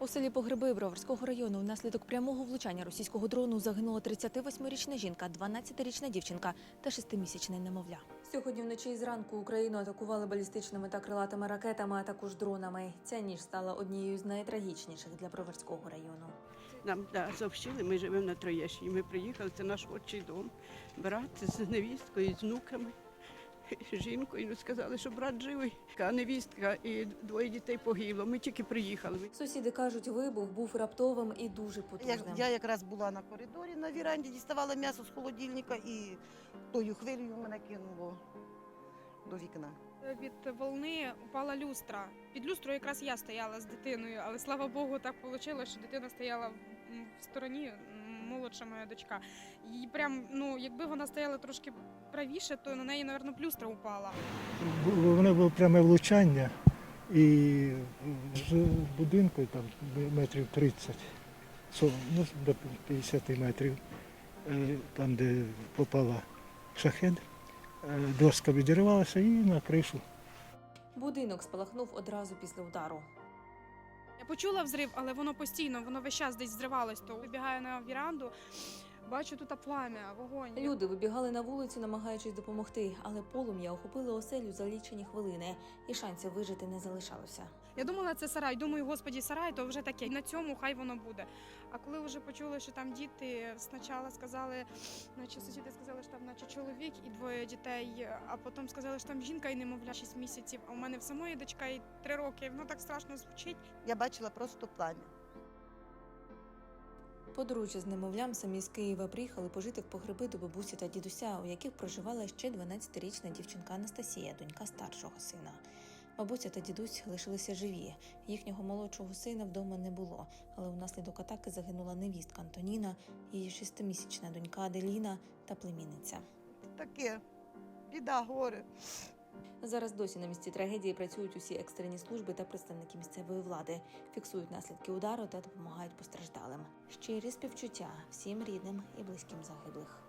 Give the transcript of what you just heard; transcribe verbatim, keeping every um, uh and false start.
У селі Погреби Броварського району внаслідок прямого влучання російського дрону загинула тридцятивосьмирічна жінка, дванадцятирічна дівчинка та шестимісячне немовля. Сьогодні вночі і зранку Україну атакували балістичними та крилатими ракетами, а також дронами. Ця ніч стала однією з найтрагічніших для Броварського району. Нам да, сообщили, ми живемо на Троєщині. Ми приїхали, це наш отчий дом. Брат з невісткою, з внуками, з жінкою. Сказали, що брат живий, а невістка і двоє дітей погибло. Ми тільки приїхали. Сусіди кажуть, вибух був раптовим і дуже потужним. Я, я якраз була на коридорі на віранді, діставала м'ясо з холодильника і тою хвилею мене кинуло до вікна. Від волни упала люстра. Під люстрою якраз я стояла з дитиною, але слава Богу, так вийшло, що дитина стояла в стороні, молодша моя дочка. І прям, ну, якби вона стояла трошки правіше, то на неї, мабуть, люстра упала. Воно було пряме влучання, і з будинку там метрів тридцять, ну, до п'ятдесят метрів, там, де попала шахед, доска відірвалася і на кришу. Будинок спалахнув одразу після удару. Я почула взрив, але воно постійно, воно весь час десь зривалось. То вибігаю на віранду, бачу тут плам'я, вогонь. Люди вибігали на вулицю, намагаючись допомогти, але полум'я охопило оселю за лічені хвилини, і шансів вижити не залишалося. Я думала, це сарай. Думаю, господі, сарай, то вже таке. На цьому хай воно буде. А коли вже почули, що там діти, спочатку сказали, наче сусіди сказали, що там наче чоловік і двоє дітей, а потім сказали, що там жінка і немовля шість місяців, а у мене в самої дочка і три роки. Воно так страшно звучить. Я бачила просто плам'я. Подружжя з немовлям самі з Києва приїхали пожити в Погреби до бабусі та дідуся, у яких проживала ще дванадцятирічна дівчинка Анастасія, донька старшого сина. Бабуся та дідусь лишилися живі. Їхнього молодшого сина вдома не було, але внаслідок атаки загинула невістка Антоніна, її шестимісячна донька Аделіна та племінниця. Таке, біда, горе. Зараз досі на місці трагедії працюють усі екстрені служби та представники місцевої влади, фіксують наслідки удару та допомагають постраждалим. Щирі співчуття всім рідним і близьким загиблих.